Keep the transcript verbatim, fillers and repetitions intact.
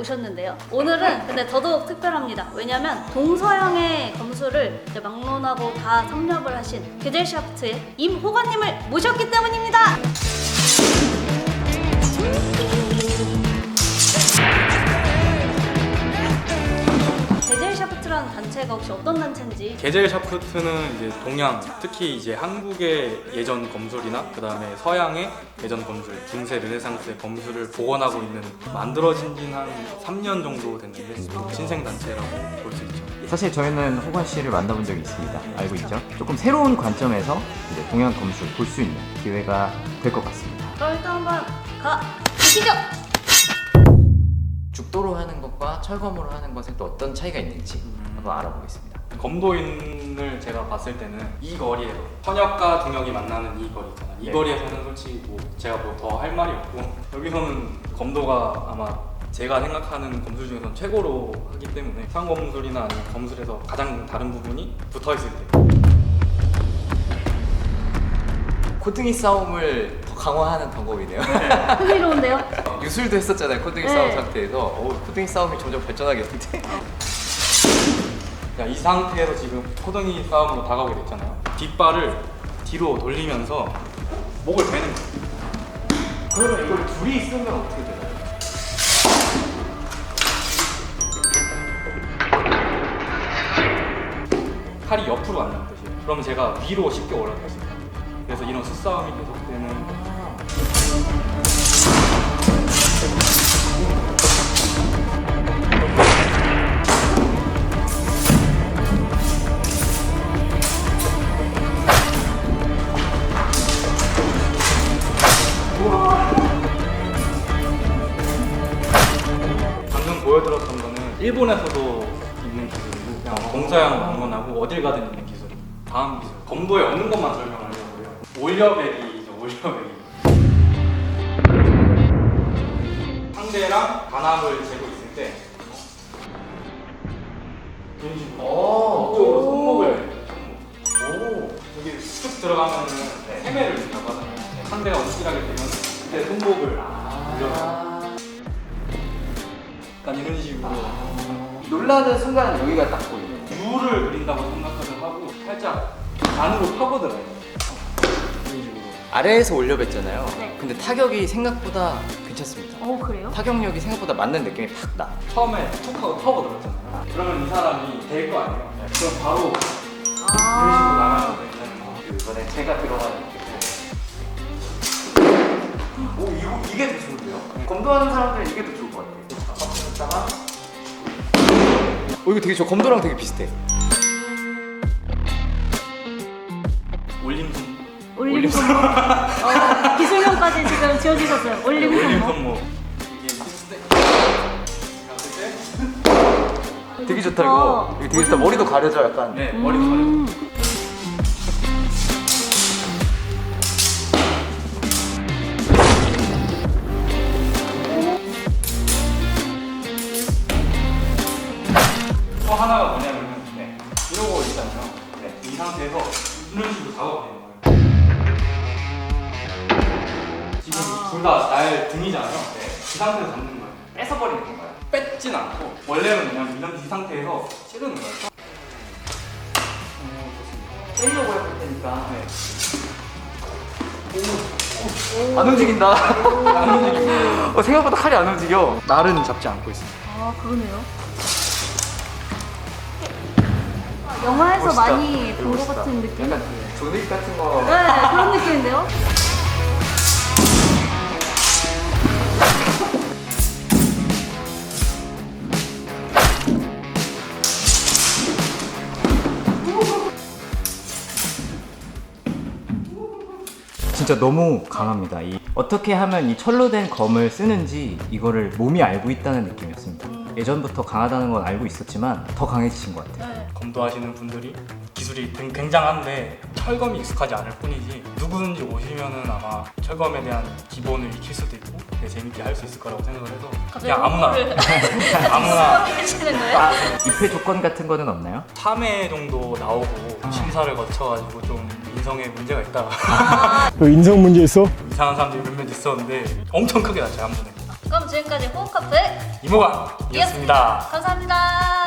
모셨는데요. 오늘은 근데 더더욱 특별합니다. 왜냐면 동서양의 검수를 이제 막론하고 다 섭렵을 하신 게젤샤프트의 임호관님을 모셨기 때문입니다. 게젤샤프트라는 단체가 혹시 어떤 단체인지? 게젤샤프트는 이제 동양, 특히 이제 한국의 예전 검술이나 그 다음에 서양의 예전 검술, 중세 르네상스의 검술을 복원하고 있는, 만들어진 지는 한 삼 년 정도 됐는데 신생 단체라고 볼 수 있죠. 사실 저희는 호관 씨를 만나본 적이 있습니다. 알고 있죠? 조금 새로운 관점에서 이제 동양 검술 볼 수 있는 기회가 될 것 같습니다. 그럼 일단 한번 가 보시죠. 죽도로 하는 것과 철검으로 하는 것에 또 어떤 차이가 있는지 한번 알아보겠습니다. 검도인을 제가 봤을 때는 이 거리에서 현역과 동역이 만나는 이 거리 있잖아요. 이 네. 거리에서는 솔직히 뭐 제가 뭐 더 할 말이 없고, 여기서는 검도가 아마 제가 생각하는 검술 중에서는 최고로 하기 때문에 수상검술이나 아니면 검술에서 가장 다른 부분이 붙어있을 때 코등이 싸움을 더 강화하는 방법이네요. 흥미로운데요? 유술도 했었잖아요. 코등이 네. 싸움 상태에서 오, 코등이 싸움이 점점 발전하겠는데. 이 상태에서 지금 코등이 싸움으로 다가오게 됐잖아요. 뒷발을 뒤로 돌리면서 목을 베는 거예요. 그러면 이걸 둘이 쓰면 어떻게 되나요? 칼이 옆으로 간다는 뜻이에요. 그러면 제가 위로 쉽게 올라갈 수 있다. 그래서 이런 수싸움이 계속되는. 방금 보여드렸던 거는 일본에서도 있는 기술이고, 그냥 동서양 방문하고 어딜 가든 있는 기술. 다음 기술, 검도에 없는 것만 설명하려고요. 올려배기죠, 올려배기. 상대랑 단합을 재고 있을 때 이런 식으로 이쪽으로 손목을 손목. 여기 쑥 들어가면은 세매를 준다고 하잖아요. 상대가 움찔하게 되면 그때 손목을 올려서 약간 이런 식으로 놀라는 순간 여기가 딱 보이네요. 유를 그린다고 생각을 하고 살짝 안으로 파고들어요. 이런 식으로. 아래에서 올려뱉잖아요. 네. 근데 타격이 생각보다 괜찮습니다. 어 그래요? 타격력이 생각보다 맞는 느낌이 팍 나. 처음에 툭 하고 파고들었잖아요. 그러면 이 사람이 될 거 아니에요. 그럼 바로 이런 식으로 아 나가면 되는 이번에 제가 들어가는 느낌. 오 이거 이게 더 좋은데요? 검도하는 사람들은 이게 더 좋을 것 같아요. 오 이거 되게 저 검도랑 되게 비슷해. 올림 손. 올림 손목. 어, 기술명까지 지금 지어주셨어요. 올림 올림 손목. 손목. 이게 했을 때 갔을 때 되게 좋다 이거. 이거 되게 좋다. 머리도 가려져 약간. 네, 머리도 가려. 음. 또 하나가 뭐냐면은 네, 이러고 있잖아요. 네, 이 상태에서 이런 식으로 작업해요. 지금 둘 다 날 등이잖아요. 네, 이 상태에서 잡는 거예요. 뺏어버리는 건가요? 뺏진 않고 원래는 그냥 이런 이 상태에서 찌르는 거예요. 오, 좋습니다. 빼려고 해볼 테니까. 네. 안 움직인다. 안 움직이고 어, 생각보다 칼이 안 움직여. 날은 잡지 않고 있습니다. 아 그러네요. 영화에서 멋있다. 많이 이거 본 것 멋있다. 같은 느낌? 약간 조닉 같은 거. 네 그런 느낌인데요? 진짜 너무 강합니다. 이 어떻게 하면 이 철로 된 검을 쓰는지 이거를 몸이 알고 있다는 느낌이었습니다. 예전부터 강하다는 건 알고 있었지만 더 강해지신 것 같아요. 네. 검도하시는 분들이 기술이 굉- 굉장한데 철검이 익숙하지 않을 뿐이지, 누구든지 오시면은 아마 철검에 대한 기본을 익힐 수도 있고 되게 재밌게 할 수 있을 거라고 생각을 해서 그냥 아무나 아무나 하시는 거예요? 입회 조건 같은 거는 없나요? 삼 회 정도 나오고 심사를 거쳐가지고 좀 인성에 문제가 있다. 그 인성 문제 있어? 이상한 사람들이 몇몇 있었는데 엄청 크게 났죠, 한 번에. 그럼 그럼 지금까지 호흡카페 이모관이었습니다. 감사합니다.